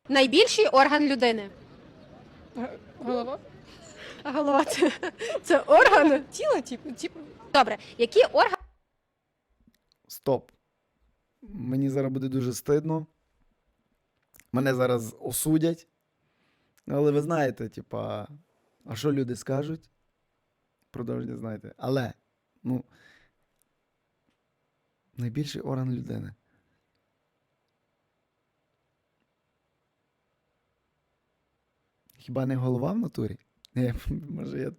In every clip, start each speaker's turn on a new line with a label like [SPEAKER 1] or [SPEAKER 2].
[SPEAKER 1] Найбільший орган людини.
[SPEAKER 2] Голова?
[SPEAKER 1] А голова це орган?
[SPEAKER 2] Тіло, типу.
[SPEAKER 1] Добре. Які органи
[SPEAKER 3] Стоп. Мені зараз буде дуже стидно. Мене зараз осудять. Але ви знаєте, типа, а що люди скажуть? Продовження знаєте. Але, ну, найбільший орган людини. Хіба не голова в натурі? Ні, може я...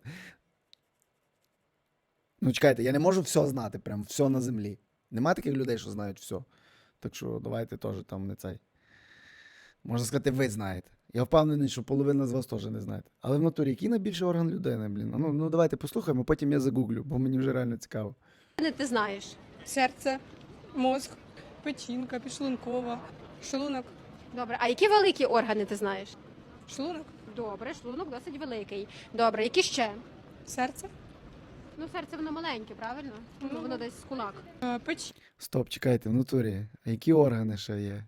[SPEAKER 3] Ну, чекайте, я не можу все знати, прям все на землі. Нема таких людей, що знають все. Так що давайте теж там не цей. Можна сказати, ви знаєте. Я впевнений, що половина з вас теж не знаєте. Але в натурі, який найбільший орган людини, блін? Ну давайте послухаємо, потім я загуглю, бо мені вже реально цікаво.
[SPEAKER 1] ти знаєш?
[SPEAKER 2] Серце, мозк, печінка, підшлункова, шлунок.
[SPEAKER 1] Добре. А які великі органи ти знаєш?
[SPEAKER 2] Шлунок,
[SPEAKER 1] Добре, шлунок досить великий. Добре, які ще?
[SPEAKER 2] серце,
[SPEAKER 1] Ну, серце воно маленьке, правильно? Ну, воно десь з кулак.
[SPEAKER 2] печінка.
[SPEAKER 3] Стоп, чекайте, в натурі. А які органи ще є?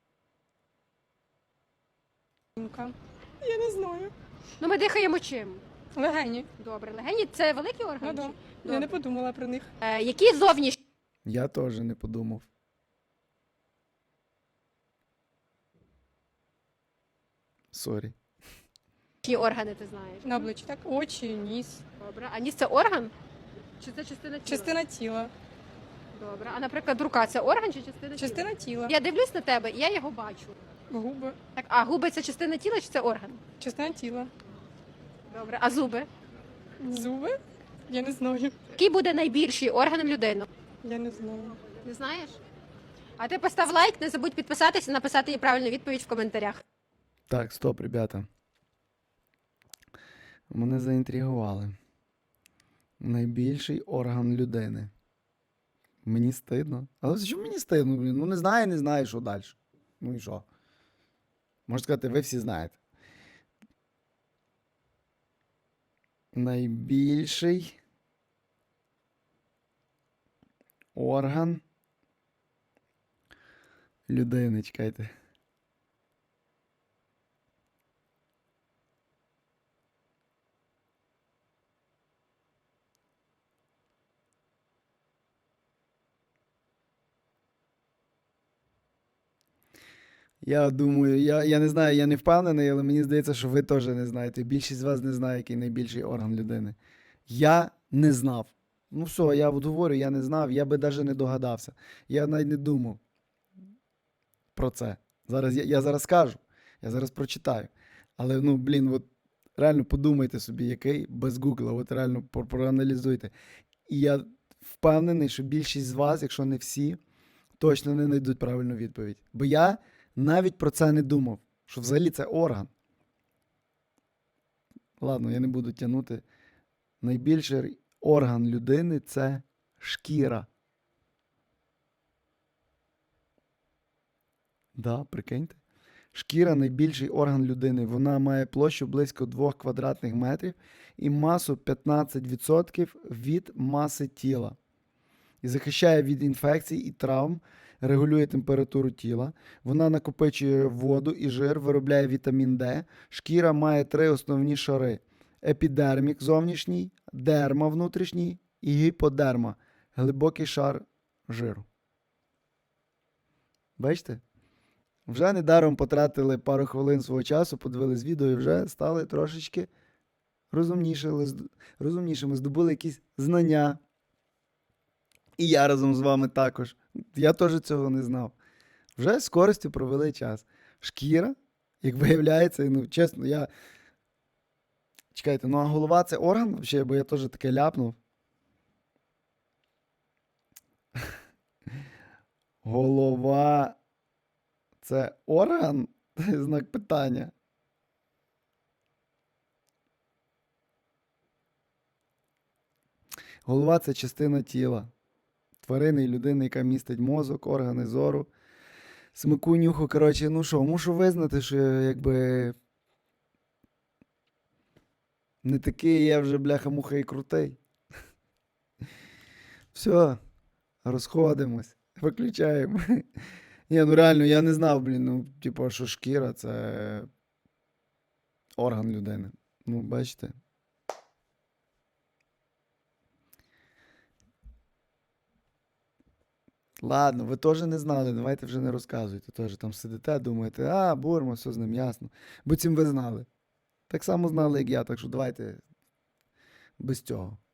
[SPEAKER 2] Я не знаю.
[SPEAKER 1] Ну, ми дихаємо чим?
[SPEAKER 2] Легені.
[SPEAKER 1] Добре, легені це великий орган?
[SPEAKER 2] Ну, да.
[SPEAKER 1] чи-
[SPEAKER 2] Я не
[SPEAKER 1] Добре.
[SPEAKER 2] подумала про них.
[SPEAKER 1] Які зовнішні
[SPEAKER 3] Я теж не подумав. Сорі.
[SPEAKER 1] органи ти знаєш?
[SPEAKER 2] На обличчі, так? Очі, ніс.
[SPEAKER 1] Добре. А ніс це орган? Чи це частина тіла?
[SPEAKER 2] Частина тіла.
[SPEAKER 1] Добре. А, наприклад, рука це орган чи частина тіла?
[SPEAKER 2] Частина тіла.
[SPEAKER 1] Я дивлюсь на тебе, і я його бачу.
[SPEAKER 2] Губи.
[SPEAKER 1] Так, а губи це частина тіла чи це орган?
[SPEAKER 2] Частина тіла.
[SPEAKER 1] Добре. А зуби?
[SPEAKER 2] Зуби? Я не знаю.
[SPEAKER 1] Який буде найбільший орган людини?
[SPEAKER 2] Я не знаю.
[SPEAKER 1] Не знаєш? А ти постав лайк, не забудь підписатися і написати їй правильну відповідь в коментарях.
[SPEAKER 3] Так, стоп, ребята. Мене заінтригували. Найбільший орган людини. Мені стидно. Але що мені стидно, блін? Ну не знаю, що далі. Ну і що? Можна сказати, ви всі знаєте. Найбільший орган людини, чекайте. Я думаю, я не знаю, я не впевнений, але мені здається, що ви теж не знаєте. Більшість з вас не знає, який найбільший орган людини. Я не знав. Ну все, я от говорю, я не знав, я би навіть не догадався. Я навіть не думав про це. Зараз я зараз скажу, я зараз прочитаю. Але, ну, блін, от реально подумайте собі, який без гугла, от реально проаналізуйте. І я впевнений, що більшість з вас, якщо не всі, точно не знайдуть правильну відповідь. Бо я навіть про це не думав, що взагалі це орган. Ладно, я не буду тягнути. Найбільший орган людини – це шкіра. Да, прикиньте. Шкіра – найбільший орган людини. Вона має площу близько 2 квадратних метрів і масу 15% від маси тіла. І захищає від інфекцій і травм, регулює температуру тіла. Вона накопичує воду і жир, виробляє вітамін Д. Шкіра має 3 основні шари. Епідермік зовнішній, дерма внутрішній і гіподерма – глибокий шар жиру. Бачите? Вже недаром потратили пару хвилин свого часу, подивились відео і вже стали трошечки розумнішими, здобули якісь знання. І я разом з вами також. Я теж цього не знав. Вже з користю провели час. Шкіра, як виявляється, ну, чесно, я... Чекайте, ну а голова – це орган взагалі, бо я теж таке ляпнув. Голова – це орган? Знак питання. Голова – це частина тіла. Тварини і людини, яка містить мозок, органи зору, смаку, нюху. Коротше, ну що, мушу визнати, що якби не такий я вже бляха-муха і крутий. Все, розходимось, виключаємо. Ні, ну реально, я не знав, блін, ну, типу, що шкіра це орган людини. Ну, бачите. Ладно, ви теж не знали, давайте вже не розказуйте. Теж там сидите, думаєте, а, Бурма, все з ним ясно. Буцім ви знали. Так само знали, як я, так що давайте без цього.